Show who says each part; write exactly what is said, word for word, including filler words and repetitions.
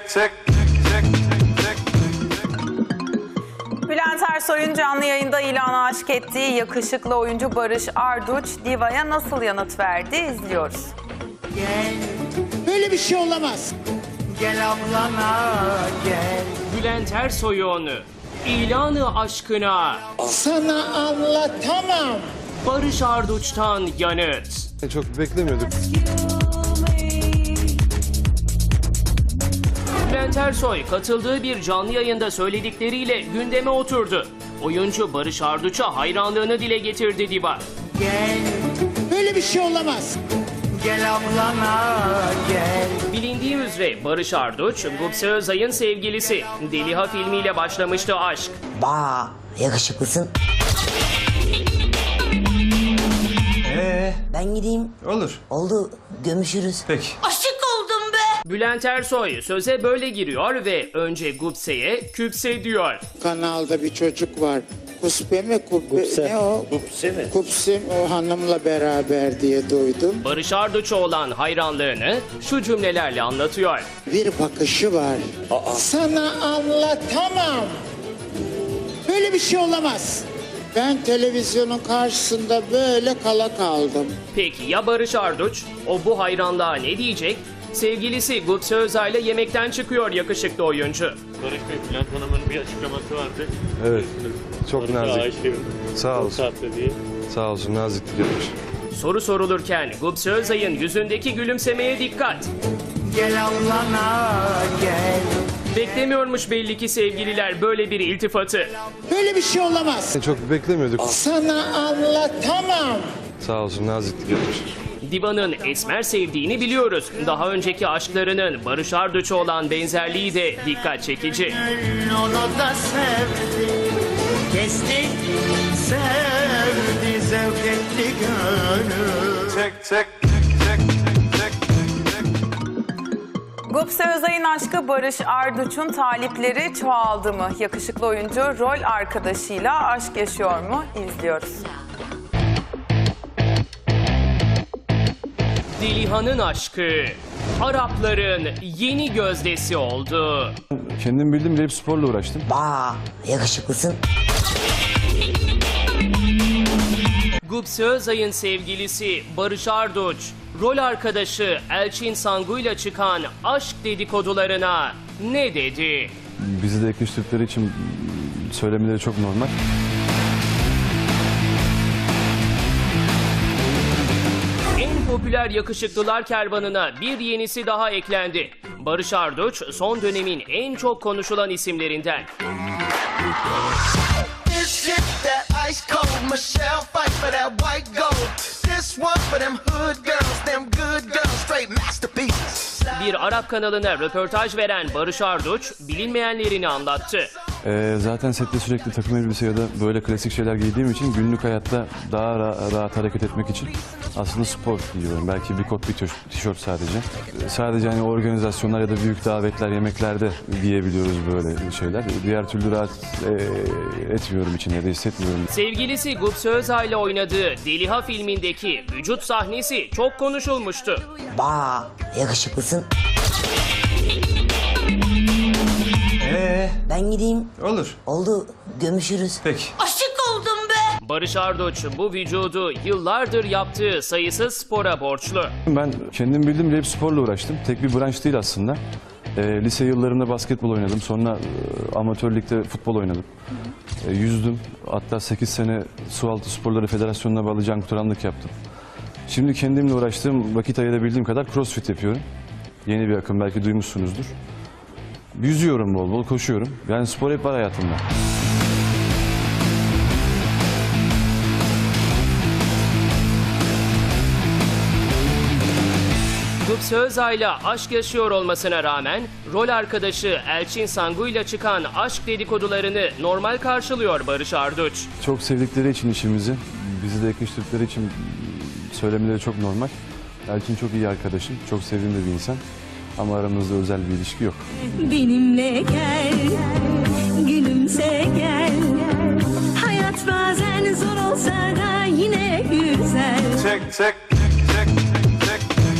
Speaker 1: çek, çek, çek.
Speaker 2: Bülent Ersoy'un canlı yayında ilana aşk ettiği yakışıklı oyuncu Barış Arduç, Diva'ya nasıl yanıt verdi? İzliyoruz.
Speaker 3: Gel,
Speaker 4: Böyle bir şey olamaz.
Speaker 3: gel ablana gel.
Speaker 5: Bülent Ersoy'un ilanı aşkına
Speaker 4: Sana anlatamam.
Speaker 5: Barış Arduç'tan yanıt.
Speaker 6: Çok beklemiyorduk.
Speaker 5: Bülent Ersoy katıldığı bir canlı yayında söyledikleriyle gündeme oturdu. Oyuncu Barış Arduç'a hayranlığını dile getirdi Diva.
Speaker 3: Gel,
Speaker 4: Böyle bir şey olamaz.
Speaker 3: gel ablana gel.
Speaker 5: Bilindiği üzere Barış Arduç, Gupse Özay'ın sevgilisi. Deliha filmiyle başlamıştı aşk.
Speaker 7: Ba, yakışıklısın.
Speaker 6: Ee,
Speaker 7: Ben gideyim.
Speaker 6: olur.
Speaker 7: Oldu, gömüşürüz.
Speaker 6: Peki.
Speaker 7: Aşık oldum be.
Speaker 5: Bülent Ersoy söze böyle giriyor ve önce Gupse'ye küpse diyor.
Speaker 4: Kanalda bir çocuk var. Kuspe mi? Kubbe, ne o? Kupse mi? Kupse o hanımla beraber diye duydum.
Speaker 5: Barış Arduç'a olan hayranlığını şu cümlelerle anlatıyor.
Speaker 4: Bir bakışı var. Sana anlatamam. Böyle bir şey olamaz. Ben televizyonun karşısında böyle kala kaldım.
Speaker 5: Peki ya Barış Arduç? O bu hayranlığa ne diyecek? Sevgilisi Gupse Özay'la yemekten çıkıyor yakışıklı oyuncu.
Speaker 8: Barış Bey, Bülent Hanım'ın bir açıklaması vardı.
Speaker 6: Evet. Çok
Speaker 8: Barış'a
Speaker 6: nazik.
Speaker 8: aşığım.
Speaker 6: Sağ
Speaker 8: Bu
Speaker 6: olsun.
Speaker 8: saatte diye.
Speaker 6: Sağ olsun, naziklik yapmış.
Speaker 5: Soru sorulurken Gupse Özay'ın yüzündeki gülümsemeye dikkat.
Speaker 3: Gel ablana gel.
Speaker 5: Beklemiyormuş belli ki sevgililer böyle bir iltifatı.
Speaker 4: Böyle bir şey olamaz.
Speaker 6: Çok beklemiyorduk.
Speaker 4: Sana anlatamam.
Speaker 6: Sağ olsun, naziklik yapmış.
Speaker 5: Diva'nın esmer sevdiğini biliyoruz. Daha önceki aşklarının Barış Arduç'a olan benzerliği de dikkat çekici.
Speaker 3: Onu da sevdi. Kesti, sevdi, zevk etti gönül.
Speaker 1: Çek, çek, çek, çek, çek.
Speaker 2: Gupse Özay'ın aşkı Barış Arduç'un talipleri çoğaldı mı? Yakışıklı oyuncu rol arkadaşıyla aşk yaşıyor mu? İzliyoruz.
Speaker 5: Deliha'nın aşkı Arapların yeni gözdesi oldu.
Speaker 6: Kendim bildim de hep sporla uğraştım.
Speaker 7: Ba, yakışıklısın.
Speaker 5: Gupse Özay'ın sevgilisi Barış Arduç, rol arkadaşı Elçin Sangu'yla çıkan aşk dedikodularına ne dedi?
Speaker 6: Bizi de yakıştıkları için söylemeleri çok normal.
Speaker 5: En popüler yakışıklılar kervanına bir yenisi daha eklendi. Barış Arduç son dönemin en çok konuşulan isimlerinden.
Speaker 9: This shit that ice cold. Michelle fight for that white gold. This one for them hood girls, them good girls, straight masterpieces.
Speaker 5: Bir Arap kanalına röportaj veren Barış Arduç bilinmeyenlerini anlattı.
Speaker 6: Ee, zaten sette sürekli takım elbise ya da böyle klasik şeyler giydiğim için günlük hayatta daha ra- rahat hareket etmek için aslında spor giyiyorum. Belki bir kot bir tişört- tişört sadece. Ee, Sadece hani organizasyonlar ya da büyük davetler, yemeklerde giyebiliyoruz böyle şeyler. Diğer türlü rahat e, etmiyorum içinde ya da hissetmiyorum.
Speaker 5: Sevgilisi Gupse Özay'la oynadığı Deliha filmindeki vücut sahnesi çok konuşulmuştu.
Speaker 7: Ba, yakışıklısın.
Speaker 6: Ee,
Speaker 7: Ben gideyim.
Speaker 6: olur.
Speaker 7: Oldu, gömüşürüz.
Speaker 6: Peki.
Speaker 7: Aşık oldum be.
Speaker 5: Barış Arduç bu vücudu yıllardır yaptığı sayısız spora borçlu.
Speaker 6: Ben kendim bildim de hep sporla uğraştım. Tek bir branş değil aslında. Ee, lise yıllarında basketbol oynadım. Sonra e, amatör ligde futbol oynadım. E, yüzdüm. Hatta sekiz sene Sualtı Sporları Federasyonu'na bağlı can kurtaranlık yaptım. Şimdi kendimle uğraştığım, vakit ayırabildiğim kadar crossfit yapıyorum. Yeni bir akım, belki duymuşsunuzdur. Yüzüyorum bol bol, koşuyorum. Yani spor hep var hayatımda.
Speaker 5: Gupse Özay'la aşk yaşıyor olmasına rağmen rol arkadaşı Elçin Sangu'yla çıkan aşk dedikodularını normal karşılıyor Barış Arduç.
Speaker 6: Çok sevdikleri için işimizi, bizi de yakıştıkları için söylemeleri çok normal. Elçin çok iyi arkadaşım, çok sevdiğim de bir insan. Ama aramızda özel bir ilişki yok.
Speaker 10: Benimle gel, gülümse gel. Hayat bazen zor olsa da yine güzel.
Speaker 1: Çek, çek,